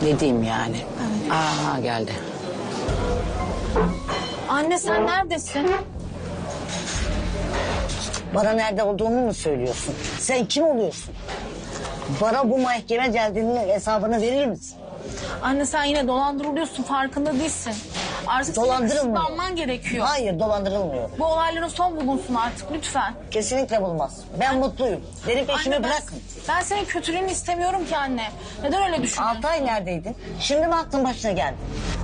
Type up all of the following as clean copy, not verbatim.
Ne diyeyim yani? Aa geldi. Anne sen neredesin? Bana nerede olduğumu mu söylüyorsun? Sen kim oluyorsun? Bana bu mahkeme geldiğinin hesabını verir misin? Anne sen yine dolandırılıyorsun, farkında değilsin. Artık senin Dolandırılmıyor. kısıtlanman gerekiyor. Hayır, dolandırılmıyor. Bu olaylara son bulunsun artık lütfen. Kesinlikle bulmaz. Ben mutluyum. Benim peşimi Anne, bırakın. ben senin kötülüğünü istemiyorum ki anne. Neden öyle düşünüyorsun? 6 ay neredeydin? Şimdi mi aklın başına geldi?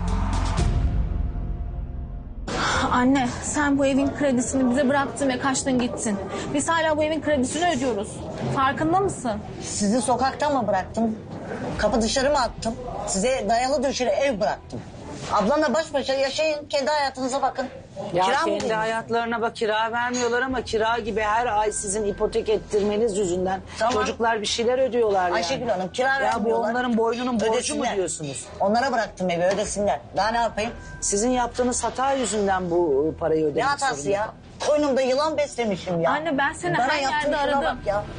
Anne sen bu evin kredisini bize bıraktın ve kaçtın gittin. Biz hala bu evin kredisini ödüyoruz. Farkında mısın? Sizi sokakta mı bıraktım? Kapı dışarı mı attım? Size dayalı döşeli ev bıraktım. Ablanla baş başa yaşayın. Kendi hayatınıza bakın. Ya Kira mı kendi ödüyorsunuz? hayatlarına bak, kira vermiyorlar ama kira gibi her ay sizin ipotek ettirmeniz yüzünden Tamam. çocuklar bir şeyler ödüyorlar yani. Ayşegül Hanım, kira Ya bu vermiyorlar. onların boynunun borcu mu Ödesinler. diyorsunuz? Onlara bıraktım evi, ödesinler. Daha ne yapayım? Sizin yaptığınız hata yüzünden bu parayı ödemek Ne hatası zorunda. ya? Koynumda yılan beslemişim ya. Anne, ben seni Bana her yaptığın yerde şuna aradım. bak ya.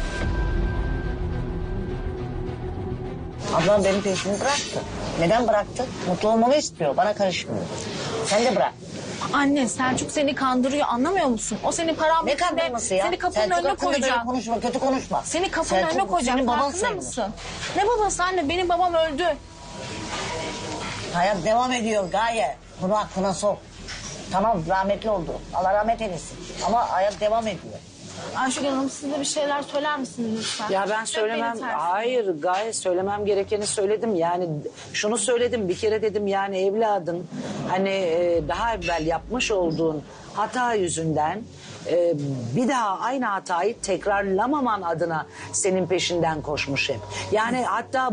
Ablam benim peşimi bıraktı. Neden bıraktı? Mutlu olmamı istiyor. Bana karışmıyor. Sen de bırak. Anne Selçuk seni kandırıyor, anlamıyor musun? O senin paran Ne bittiğinde kandırması ya? Seni kapının Selçuk önüne hakkında böyle koyacak. konuşma, kötü konuşma. Seni kapının Selçuk, önüne koyacak. senin baban Farkında sayılır. mısın? Ne babası anne? Benim babam öldü. Hayat devam ediyor Gaye. Bunu aklına sok. Tamam, rahmetli oldu. Allah rahmet eylesin. Ama hayat devam ediyor. Ayşegül Hanım siz de bir şeyler söyler misiniz lütfen? Ya ben Hep söylemem, beni tersine. hayır gayet söylemem gerekeni söyledim. Yani şunu söyledim bir kere, dedim yani evladın hani daha evvel yapmış olduğun hata yüzünden bir daha aynı hatayı tekrarlamaman adına senin peşinden koşmuş hep. Yani hatta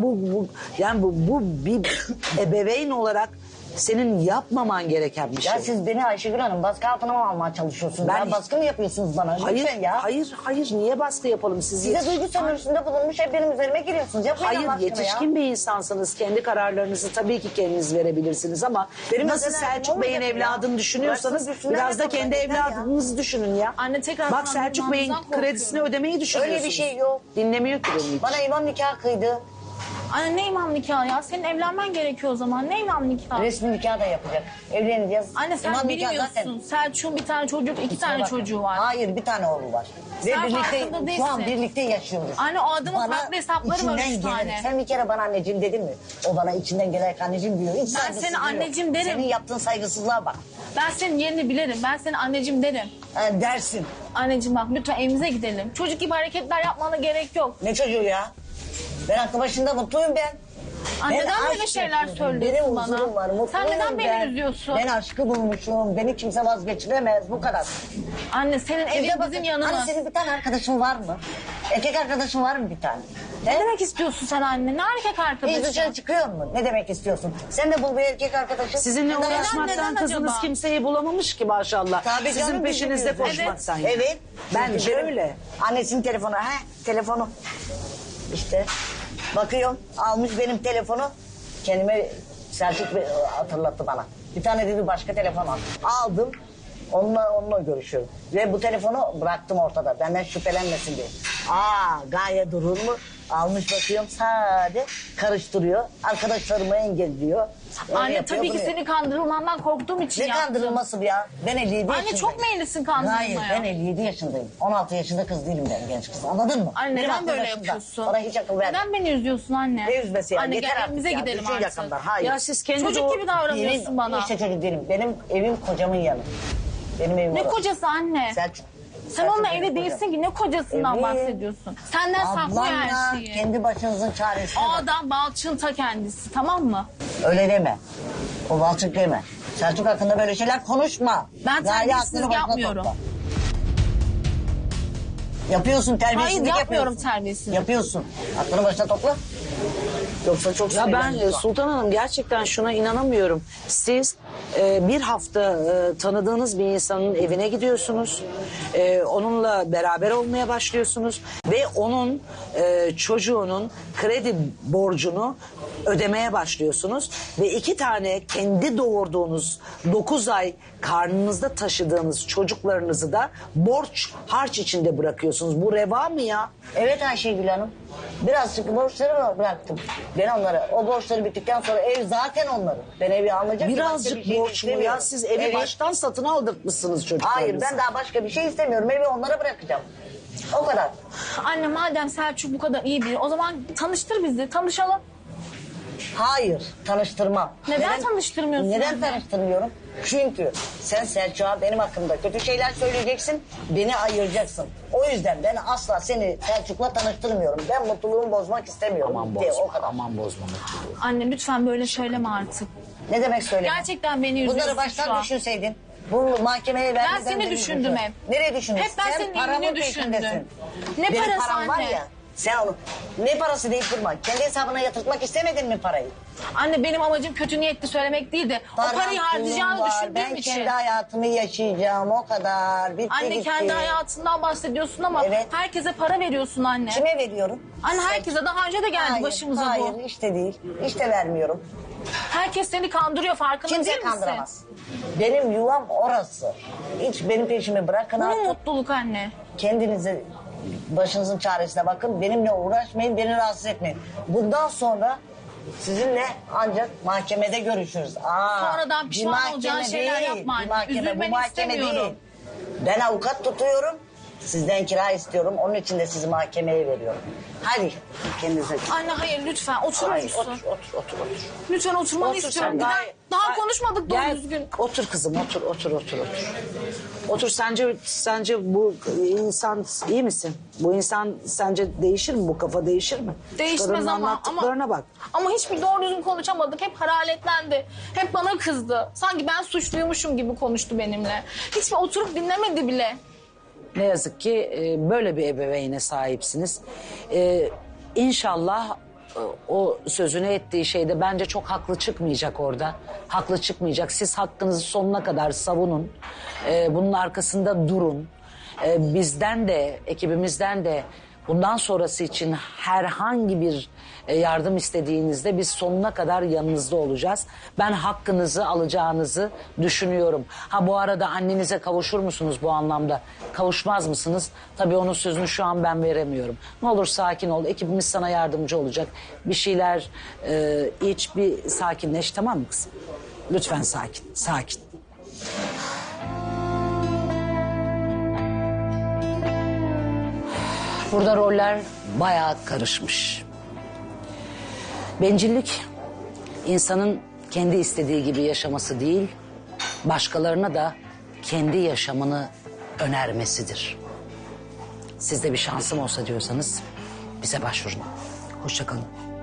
bu bir ebeveyn olarak senin yapmaman gereken bir şey. Ya siz beni Ayşegül Hanım baskı altına mı almaya çalışıyorsunuz? Ben Ya hiç- baskı mı yapıyorsunuz bana? Hayır, Lütfen ya. hayır, niye baskı yapalım siz? Size duygu sömürüsünde bulunmuş hep benim üzerime giriyorsunuz. Yapmayın Hayır, Allah aşkına yetişkin ya. bir insansınız. Kendi kararlarınızı tabii ki kendiniz verebilirsiniz ama Benim nasıl özel hayatım Selçuk Bey'in olmayacak ya. evladını düşünüyorsanız Bıraksın düşünsünler biraz da bakalım, kendi yeter ya. evladınızı düşünün ya. Anne, tekrar Bak Selçuk Bey'in kandırılmamızdan kredisini korkuyorum. ödemeyi düşünüyorsunuz. Öyle bir şey yok. Dinlemiyor ki beni hiç. Bana imam nikah kıydı. Anne ne imam nikahı ya? Senin evlenmen gerekiyor o zaman. Ne imam nikahı? Resmi nikah da yapacak. Evleneceğiz. Anne sen İmam nikah bilmiyorsun. Selçuk'un bir tane çocuk, iki tane Bak, çocuğu var. Hayır, bir tane oğlu var. Ve Sen birlikte farkında şu an değilsin. birlikte yaşıyoruz. Anne, o adamın farklı hesapları var, içinden üç tane. geleni- Sen bir kere bana anneciğim dedin mi? O bana içinden gelerek anneciğim diyor. Hiç Ben saygısızlığı seni yok. anneciğim derim. Senin yaptığın saygısızlığa bak. Ben senin yerini bilirim. Ben senin anneciğim derim. Ha, dersin. Anneciğim bak lütfen evimize gidelim. Çocuk gibi hareketler yapmana gerek yok. Ne çocuğu ya? Ben aklı başında mutluyum ben. Anne, Ben neden böyle aşk şeyler yapıyorum. söylüyorsun Benim bana? huzurum var, mutluyum Sen neden beni ben. üzüyorsun? Ben aşkı bulmuşum. Beni kimse vazgeçiremez. Bu kadar. Anne senin Size evin bakın, bizim yanımız. Hani senin bir tane arkadaşın var mı? Erkek arkadaşın var mı bir tane? Ne demek istiyorsun sen anne? Ne erkek Hiç arkadaşı? dışarı çıkıyor mu? Ne demek istiyorsun? Sen de bul bir erkek arkadaşı. Sizinle Neden- uğraşmaktan neden kızınız acaba? kimseyi bulamamış ki maşallah. Tabii Sizin canım, peşinizde bizim yüzümüzden. koşmaktan. ya. Evet. Bence Çünkü benim öyle. Annesinin telefonu. Telefonu. İşte bakıyorum almış benim telefonu. Kendime Selçuk Bey hatırlattı bana. Bir tane dedi başka telefon al. Aldım. Onunla görüşüyorum. Ve bu telefonu bıraktım ortada. Benden şüphelenmesin diye. Gaye durur mu? Almış bakıyorum sade karıştırıyor. Arkadaşlarımı engelliyor. Öyle Anne yapıyor, tabii ki bunu seni kandırılmandan korktuğum için ne yaptım. kandırılması bu ya? Ben 57 Anne yaşındayım. çok meyillisin kandırılmaya. Hayır ben 57 yaşındayım. 16 yaşında kız değilim ben, genç kız. Anladın mı? Anne Benim neden aklım böyle başımda. yapıyorsun? Bana hiç akıl verme. Neden beni üzüyorsun anne? Ne üzmesi ya? Anne Yeter gel artık evimize ya. gidelim Düşün artık. yakından. Hayır. Ya siz kendi Çocuk gibi davranıyorsun Benim bana. işte çocuk değilim. Benim evim kocamın yanı. Benim evim Ne orası. kocası anne? Selçuk. Sen Selçuk onunla benim evli kocam. değilsin ki ne kocasından Evliyim. bahsediyorsun? Senden saklıyor her Ablanla şeyi. kendi başınızın çaresine O bak. adam balçın ta kendisi, tamam mı? Öyle deme. O balçık deme. Selçuk hakkında böyle şeyler konuşma. Ben Gaye terbiyesizlik aklını başına yapmıyorum. topla. Yapıyorsun terbiyesizlik Hayır, yapmıyorum yapıyorsun. terbiyesizlik. Yapıyorsun. Aklını başına topla. Yoksa çok Ya ben sinirlendim. Sultan Hanım gerçekten şuna inanamıyorum. Siz bir hafta tanıdığınız bir insanın evine gidiyorsunuz. Onunla beraber olmaya başlıyorsunuz. Ve onun çocuğunun kredi borcunu ödemeye başlıyorsunuz ve 2 tane kendi doğurduğunuz 9 ay karnınızda taşıdığınız çocuklarınızı da borç harç içinde bırakıyorsunuz. Bu reva mı ya? Evet Ayşegül Hanım. Birazcık borçları bıraktım. Ben onlara. O borçları bittikten sonra ev zaten onların. Ben evi almayacak. Birazcık borç mu ya? Siz evi Evet. baştan satın aldırtmışsınız çocuklarınızı. Hayır, ben daha başka bir şey istemiyorum. Evi onlara bırakacağım. O kadar. Anne madem Selçuk bu kadar iyi biri o zaman tanıştır bizi, tanışalım. Hayır, tanıştırmam. Neden tanıştırmıyorsun Neden anne? tanıştırmıyorum? Çünkü sen Selçuk'a benim hakkımda kötü şeyler söyleyeceksin, beni ayıracaksın. O yüzden ben asla seni Selçuk'la tanıştırmıyorum. Ben mutluluğumu bozmak istemiyorum. Aman Bitti, bozma, o kadar. aman bozma mutluluğu. Anne lütfen böyle söyleme artık. Ne demek söyleme? Gerçekten beni üzüyorsun Bunları şu baştan an. düşünseydin. Bu mahkemeye vermeden... seni beni düşündüm düşün. hep. Nereye düşündün? Hep ben Sen senin paranın iyiliğini düşündüm. peşindesin. Ne Benim parası param var anne? ya. Sen onu ne parası deyip durma. Kendi hesabına yatırtmak istemedin mi parayı? Anne benim amacım kötü niyetli söylemek değil de o Param, parayı harcayacağını pulum var. düşündüğüm Ben için. kendi hayatımı yaşayacağım o kadar. Bitti Anne gitti. kendi hayatından bahsediyorsun ama Evet. herkese para veriyorsun anne. Kime veriyorum? Anne herkese daha önce de geldi Hayır, başımıza hayır, bu. işte değil. İşte vermiyorum. Herkes seni kandırıyor farkında Kimse değil misin? kandıramaz. Benim yuvam orası. Hiç benim peşimi bırakın Bu mu artık. mutluluk anne? Kendinize başınızın çaresine bakın. Benimle uğraşmayın, beni rahatsız etmeyin. Bundan sonra sizinle ancak mahkemede görüşürüz. Sonradan pişman bir mahkeme olacağın şeyler yapma anne. Bir mahkeme, bu Üzülmeni mahkeme istemiyorum. değil. Ben avukat tutuyorum. Sizden kira istiyorum. Onun için de sizi mahkemeye veriyorum. Hadi kendinize. Anne hayır lütfen oturur Hayır, musun? otur. Lütfen oturmanı Otur istiyorum. sen, Daha konuşmadık doğru Gel, düzgün. Otur kızım, otur. Otur, sence bu insan iyi misin? Bu insan sence değişir mi? Bu kafa değişir mi? Değişmez Kadının ama anlattıklarına bak. Ama hiçbir doğru düzgün konuşamadık. Hep hararetlendi. Hep bana kızdı. Sanki ben suçluymuşum gibi konuştu benimle. Hiç oturup dinlemedi bile. Ne yazık ki böyle bir ebeveyne sahipsiniz. İnşallah o sözünü ettiği şeyde bence çok haklı çıkmayacak orada. Haklı çıkmayacak. Siz hakkınızı sonuna kadar savunun. Bunun arkasında durun. Bizden de, ekibimizden de bundan sonrası için herhangi bir yardım istediğinizde biz sonuna kadar yanınızda olacağız. Ben hakkınızı alacağınızı düşünüyorum. Ha bu arada annenize kavuşur musunuz bu anlamda? Kavuşmaz mısınız? Tabii onun sözünü şu an ben veremiyorum. Ne olur sakin ol. Ekibimiz sana yardımcı olacak. Bir şeyler iç, bir sakinleş, tamam mı kızım? Lütfen sakin. Burada roller bayağı karışmış. Bencillik insanın kendi istediği gibi yaşaması değil, başkalarına da kendi yaşamını önermesidir. Sizde bir şansım olsa diyorsanız bize başvurun. Hoşça kalın.